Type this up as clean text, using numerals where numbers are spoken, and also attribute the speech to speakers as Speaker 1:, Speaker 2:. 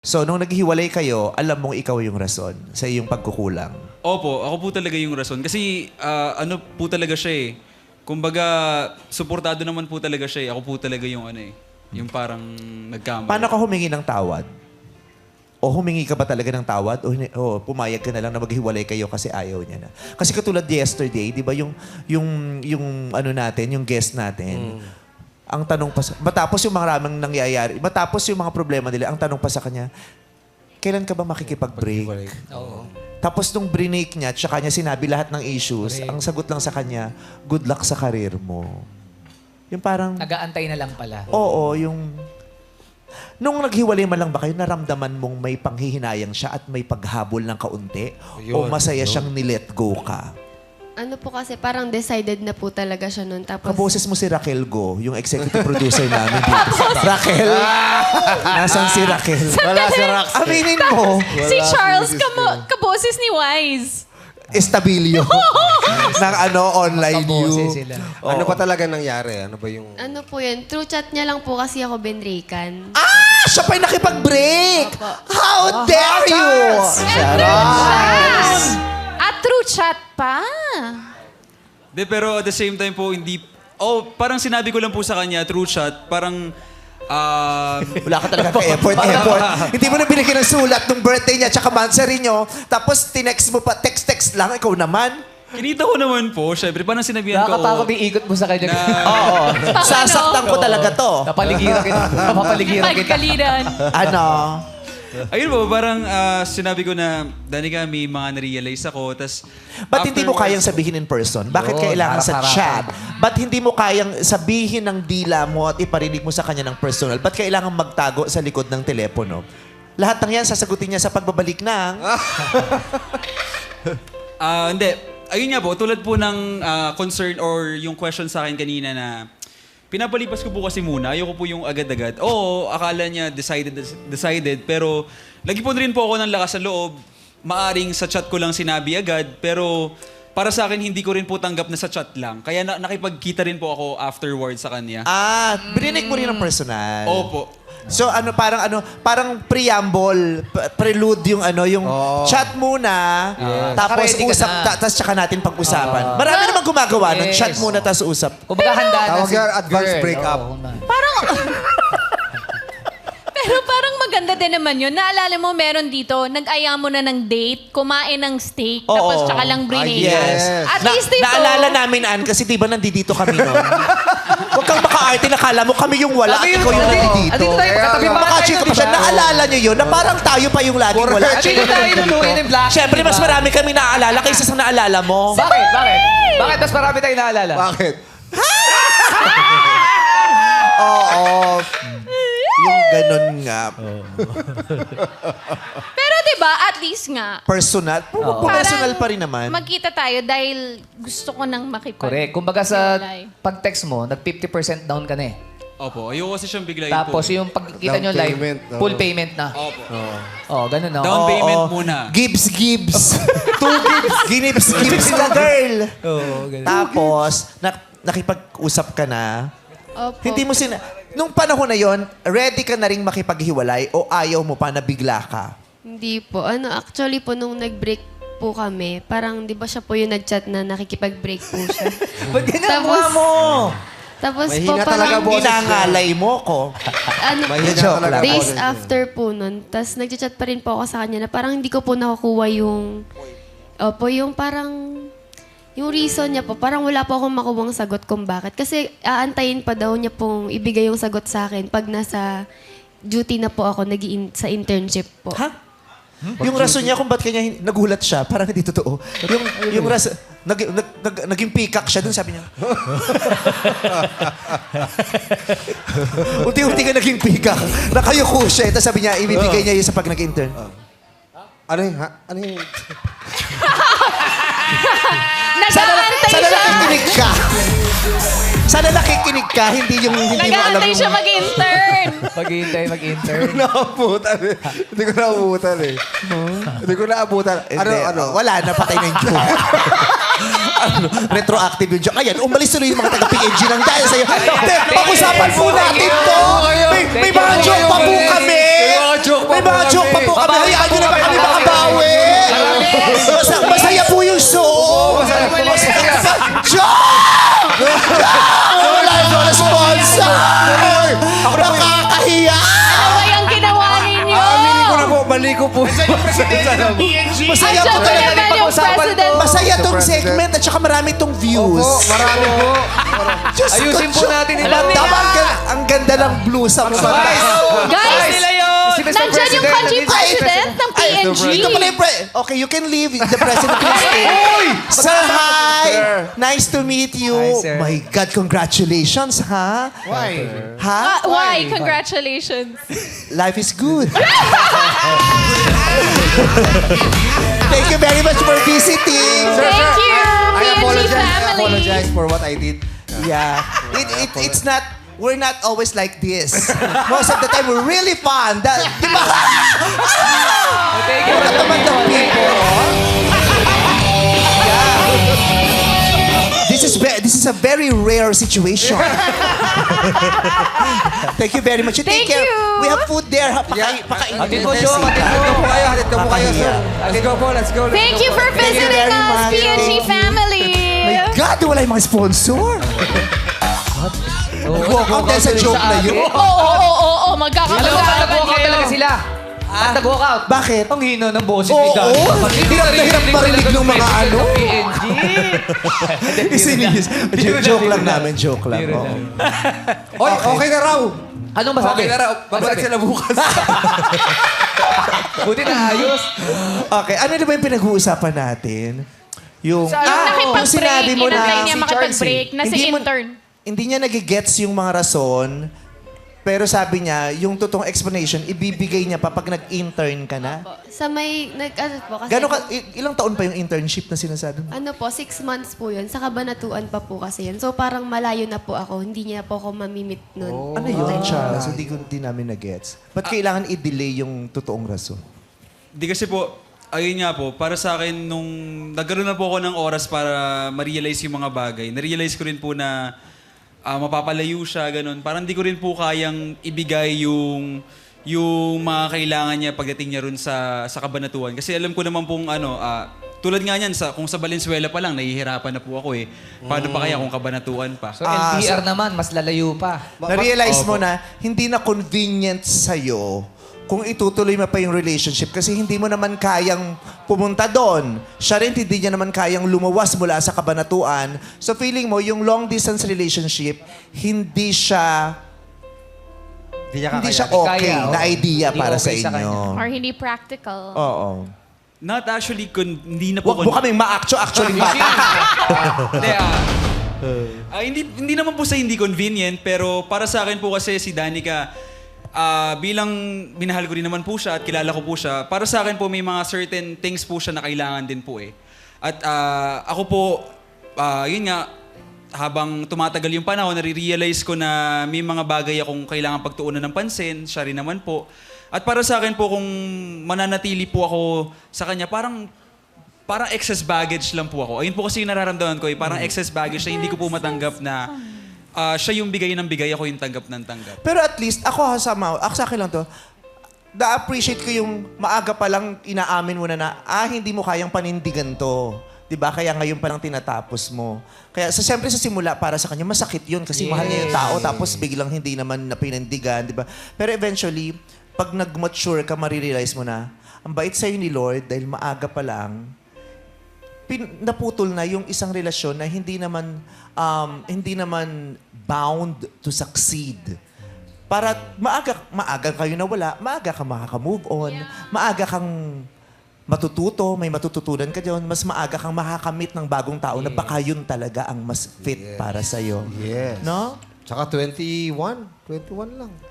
Speaker 1: So, nung naghiwalay kayo, alam mong ikaw yung rason sa iyong pagkukulang.
Speaker 2: Opo, ako po talaga yung rason. Kasi ano po talaga siya eh. Kumbaga, suportado naman po talaga siya eh. Ako po talaga yung ano eh. Yung parang nagkamali.
Speaker 1: Paano ka humingi ng tawad? O humingi ka ba talaga ng tawad? O pumayag ka na lang na maghiwalay kayo kasi ayaw niya na? Kasi katulad yesterday, di ba yung ano natin, yung guest natin, ang tanong pa matapos yung maraming nangyayari, matapos yung mga problema nila, ang tanong pa sa kanya, kailan ka ba makikipag-break?
Speaker 3: Oo.
Speaker 1: Tapos nung brinake niya, tsaka niya sinabi lahat ng issues, ang sagot lang sa kanya, good luck sa karir mo. Yung parang,
Speaker 3: Nag-aantay na lang pala.
Speaker 1: oo, yung... Nung naghiwalay man lang ba kayo, naramdaman mong may panghihinayang siya at may paghabol ng kaunti? O masaya siyang nilet go ka?
Speaker 4: Ano po kasi, parang decided na po talaga siya nun. Tapos,
Speaker 1: Kaboses mo si Raquel Go, yung executive producer namin dito. Raquel? Nasaan si Raquel?
Speaker 5: Wala si Rax.
Speaker 1: Aminin mo,
Speaker 5: Si Charles, kaboses ni Wise.
Speaker 1: estabilio ng online
Speaker 3: Kaboses
Speaker 1: you.
Speaker 3: sila.
Speaker 6: Ano pa talaga nangyari? Ano ba yung...
Speaker 4: ano po yun, through chat niya lang po kasi ako benrekan.
Speaker 1: Ah! Siya pa'y nakipag-break!
Speaker 4: Opo.
Speaker 1: How dare you!
Speaker 5: At through chat pa.
Speaker 2: De, pero at the same time po, hindi... Oh, parang sinabi ko lang po sa kanya, through chat, parang...
Speaker 1: Wala ka talaga ka-effort. Hindi mo na binigyan ng sulat nung birthday niya tsaka monthsary niyo. Tapos tinext mo pa, text lang, ikaw naman.
Speaker 2: kinita ko naman po, syempre, parang sinabihan ko...
Speaker 3: Nakakatakot yung ikot mo sa kanya.
Speaker 1: Oo. Sasaktan ko talaga to.
Speaker 3: Napaligiran kita. Napapaligiran kita.
Speaker 5: Pagkaliran.
Speaker 1: Ano?
Speaker 2: Ayun po, parang sinabi ko na, Danica, may mga na-realize ako, tas...
Speaker 1: Ba't hindi mo kayang sabihin in person? Bakit
Speaker 3: Oo,
Speaker 1: kailangan sa
Speaker 3: harap-harapan.
Speaker 1: chat? Ba't hindi mo kayang sabihin ng dila mo at iparinig mo sa kanya ng personal? Ba't kailangan magtago sa likod ng telepono? Lahat ng yan, sasagutin niya sa pagbabalik ng...
Speaker 2: Hindi. Ayun nga po, tulad po ng concern or yung question sa akin kanina na pinapalipas ko po kasi muna. Ayoko po yung agad-agad. Oo, akala niya decided. Pero lagi po rin po ako ng lakas ng loob. Maaring sa chat ko lang sinabi agad. Pero para sa akin, hindi ko rin po tanggap na sa chat lang. Kaya nakipagkita rin po ako afterwards sa kanya.
Speaker 1: Bininig mo rin ng personal.
Speaker 2: Opo.
Speaker 1: So parang preamble, prelude yung yung chat muna, tapos
Speaker 3: Naka-ready ka
Speaker 1: usap,
Speaker 3: na.
Speaker 1: tapos tsaka natin pag-usapan. Marami naman gumagawa nun, chat muna tapos usap.
Speaker 3: Kung baka handa na
Speaker 6: Tawag
Speaker 3: si
Speaker 6: yan, advance
Speaker 3: girl.
Speaker 6: breakup.
Speaker 3: Oo, na.
Speaker 5: Pero parang maganda din naman yun. Naalala mo, meron dito, nag-aya mo na ng date, kumain ng steak, tapos tsaka lang brinake.
Speaker 6: yes.
Speaker 5: At least dito,
Speaker 1: Naalala namin, Ann, kasi di ba nandito kami nun? Huwag kang maka-arte, nakala mo kami yung wala, at ikaw yung nandito.
Speaker 3: Andito tayo, katabi pa tayo,
Speaker 1: Makachika pa siya,
Speaker 3: diba?
Speaker 1: naalala nyo yun, na parang tayo pa yung laging wala. At
Speaker 3: Andito tayo luluin ng black.
Speaker 1: Siyempre, mas marami kami naaalala kaysa sa naalala mo.
Speaker 3: Bakit? Bakit mas marami tayong naalala?
Speaker 6: Bakit?
Speaker 1: Oo. Yung ganun nga.
Speaker 5: pero diba, at least nga,
Speaker 1: Personal. Personal pa rin naman.
Speaker 5: magkita tayo dahil gusto ko nang makipag...
Speaker 3: Correct. Kumbaga sa
Speaker 5: Hiwalay.
Speaker 3: pag-text mo, nag-50% down ka na eh.
Speaker 2: Opo. Ayoko kasi siyang biglayin
Speaker 3: Tapos
Speaker 2: po.
Speaker 3: yung pagkita
Speaker 6: Down
Speaker 3: nyo live,
Speaker 6: payment, no?
Speaker 3: full payment na.
Speaker 2: Opo.
Speaker 3: Oh, ganun no?
Speaker 2: Down payment muna.
Speaker 1: Gibbs. Two Gibbs. Gibbs na girl.
Speaker 3: Oo, ganun.
Speaker 1: Tapos, nakipag-usap ka na.
Speaker 4: Opo.
Speaker 1: Hindi mo Nung panahon na yon, ready ka na rin makipaghiwalay o ayaw mo pa na bigla ka?
Speaker 4: Hindi po. Actually po, nung nag-break po kami, parang di ba siya po yung nag-chat na nakikipag-break po siya.
Speaker 3: Ba't ganyan ang
Speaker 4: Tapos-
Speaker 3: mukha mo?
Speaker 4: Tapos po
Speaker 6: Mahina talaga,
Speaker 4: parang,
Speaker 6: boses.
Speaker 1: Inangalay mo ko.
Speaker 6: Mahina
Speaker 1: Joke
Speaker 6: talaga.
Speaker 1: lang.
Speaker 4: days after po nun, tas nag-chat pa rin po ako sa kanya na parang hindi ko po nakukuha yung, yung parang, yung reason niya po, parang wala po akong makuwang sagot kung bakit. Kasi aantayin pa daw niya pong ibigay yung sagot sa akin pag nasa duty na po ako sa internship po.
Speaker 1: Ha? Yung rason niya kung ba't kanya nagulat siya, parang hindi totoo. Yung rason, naging pikak siya dun, sabi niya. Unti-unti ka naging pikak. Nakayuko siya. Tapos sabi niya, ibibigay niya yun sa pag nag-intern.
Speaker 6: Ano yung... Ano yung...
Speaker 5: Nag-aantay
Speaker 1: Sana
Speaker 5: siya!
Speaker 1: nakikinig ka. Sana nakikinig ka, hindi mo alam
Speaker 5: Nag-aantay
Speaker 1: yung...
Speaker 5: siya mag-intern.
Speaker 3: Mag-intern.
Speaker 6: Naabutan eh. Hindi ko naabutan eh. Hindi ko naabutan. Ano?
Speaker 1: Wala na, patay na yung joke. Retroactive yung joke. Ayan, umalis tuloy yung mga taga-PNG ng dahil sa'yo. Pag-usapan po natin to. May mga joke pa po kami.
Speaker 6: joke pa
Speaker 1: May mga joke pa po kami. Hayaan nyo naman kami makabawi. Masaya po yung show. Joke! Wala yung sponsor! Nakakahiya!
Speaker 5: Ano ba yung ginawa ninyo?
Speaker 6: Aminin ko na po, mali ko po.
Speaker 1: Masaya
Speaker 5: At
Speaker 1: po
Speaker 5: syempre
Speaker 1: talaga.
Speaker 5: naman yung president.
Speaker 1: Masaya tong segment at saka marami tong views.
Speaker 6: Opo, marami po.
Speaker 1: Diyos ko,
Speaker 3: Ayusin po
Speaker 1: Diyos.
Speaker 3: natin ito.
Speaker 1: Tama, ang ganda ng blusa mo.
Speaker 5: Guys,
Speaker 3: Si Mr.
Speaker 5: nandyan yung
Speaker 3: President,
Speaker 5: country
Speaker 3: nandito.
Speaker 5: president ng PNG.
Speaker 1: Ito pala yung Okay, you can leave. The president can stay. Sir, hi! Nice to meet you.
Speaker 3: Hi, sir.
Speaker 1: My God, congratulations, ha?
Speaker 6: Why?
Speaker 1: Ha?
Speaker 5: Why? Congratulations.
Speaker 1: Life is good. Thank you very much for visiting.
Speaker 5: Thank you,
Speaker 6: I
Speaker 5: PNG
Speaker 6: apologize. I
Speaker 5: family.
Speaker 6: apologize for what I did.
Speaker 1: Yeah. It's not, we're not always like this. Most of the time, we're really fun. Di ba?
Speaker 3: Thank you.
Speaker 1: Naman ng people. Yeah. This is a very rare situation. Thank you very much. You take
Speaker 5: Thank
Speaker 1: care.
Speaker 5: you.
Speaker 1: We have food there. Pakainin
Speaker 3: Hatid mo,
Speaker 1: mo na
Speaker 3: Joe. Hatid mo.
Speaker 6: Hatid po kayo, hatid po kayo, sir. Let's go po, let's go.
Speaker 5: Thank you for
Speaker 1: Thank you
Speaker 5: visiting
Speaker 1: very
Speaker 5: us,
Speaker 1: much.
Speaker 5: PNG
Speaker 1: Thank you.
Speaker 5: family.
Speaker 1: My God, wala yung mga sponsor. Nag-walk out dahil sa joke na yun.
Speaker 5: Oo,
Speaker 3: Alam mo,
Speaker 5: magkakapag-arapan
Speaker 3: nag-walk out talaga sila. Ba't nag-walk out?
Speaker 1: Bakit?
Speaker 3: Ang hino ng boses
Speaker 1: Oo,
Speaker 3: ni Dan.
Speaker 1: hirap na hirap marinig ng mga ano.
Speaker 3: PNG.
Speaker 1: Isinis. Joke lang namin, joke lang.
Speaker 3: Biro
Speaker 1: Oo.
Speaker 6: Oy, okay na raw.
Speaker 3: Anong masabi?
Speaker 6: Okay na raw. Babalik sila bukas.
Speaker 3: Buti na ayos.
Speaker 1: Okay, ano na ba yung pinag-uusapan natin? Yung
Speaker 5: Nakipag-break,
Speaker 1: sinabi mo
Speaker 5: inantay
Speaker 1: na
Speaker 5: niya makipag-break na si
Speaker 1: Hindi mo-
Speaker 5: intern.
Speaker 1: Hindi niya nagigets yung mga rason, pero sabi niya, yung totoong explanation, ibibigay niya pa pag nag-intern ka na.
Speaker 4: Sa may, ano po, kasi...
Speaker 1: Gano'n ka, ilang taon pa yung internship na sinasabi mo?
Speaker 4: Ano po, 6 months po yun. Sa Kabanatuan pa po kasi yun. So parang malayo na po ako. Hindi niya po ako mamimit nun.
Speaker 1: Ano yun, Charles? Hindi namin nag-gets. Ba't kailangan i-delay yung totoong rason?
Speaker 2: Di kasi po, ayun nga po, para sa akin, nung nagkaroon na po ako ng oras para ma-realize yung mga bagay, na-realize ko rin po na mapapalayo siya, ganun. Parang di ko rin po kayang ibigay yung mga kailangan niya pagdating niya rin sa Kabanatuan. Kasi alam ko naman pong tulad nga niyan, kung sa Valenzuela pa lang, nahihirapan na po ako eh. Paano pa kaya kung Kabanatuan pa?
Speaker 3: So, LDR naman, mas lalayo pa.
Speaker 1: Na-realize mo na hindi na convenient sa'yo kung itutuloy mo pa yung relationship kasi hindi mo naman kayang pumunta doon. Siya rin hindi niya naman kayang lumawas mula sa Kabanatuan. So feeling mo, yung long-distance relationship, hindi siya okay
Speaker 3: Kaya,
Speaker 1: na
Speaker 3: oo.
Speaker 1: idea
Speaker 3: Hindi
Speaker 1: para
Speaker 3: okay
Speaker 1: sa
Speaker 3: sa
Speaker 1: inyo.
Speaker 5: Or hindi practical.
Speaker 1: Oo.
Speaker 2: Not actually, hindi na po...
Speaker 1: Huwag mo kaming actually
Speaker 2: hindi naman po sa hindi convenient, pero para sa akin po kasi si Danica, bilang minahal ko rin naman po siya at kilala ko po siya, para sa akin po may mga certain things po siya na kailangan din po eh. At ako po, yun nga, habang tumatagal yung panahon, nare-realize ko na may mga bagay akong kailangan pagtuunan ng pansin, siya rin naman po. At para sa akin po, kung mananatili po ako sa kanya, parang excess baggage lang po ako. Ayun po kasi yung nararamdaman ko, parang excess baggage na hindi ko po matanggap na siya yung bigay ng bigay, ako yung tanggap ng tanggap.
Speaker 1: Pero at least, ako sa akin lang to, na-appreciate ko yung maaga pa lang inaamin mo na hindi mo kayang panindigan to. 'Di ba? Kaya ngayon pa lang tinatapos mo. Kaya siyempre sa simula para sa kanya masakit 'yun kasi mahal niya yung tao tapos biglang hindi naman napinindigan, 'di ba? Pero eventually, pag nag-mature ka, marirealize mo na ang bait sa'yo ni Lord dahil maaga pa lang naputol na yung isang relasyon na hindi naman bound to succeed. Para maaga kayo nawala, maaga ka makaka-move on, maaga kang matututo, may matututunan ka dyan, mas maaga kang makakamit ng bagong tao na baka yun talaga ang mas fit para sa'yo.
Speaker 6: Yes.
Speaker 1: No?
Speaker 6: Tsaka 21 lang.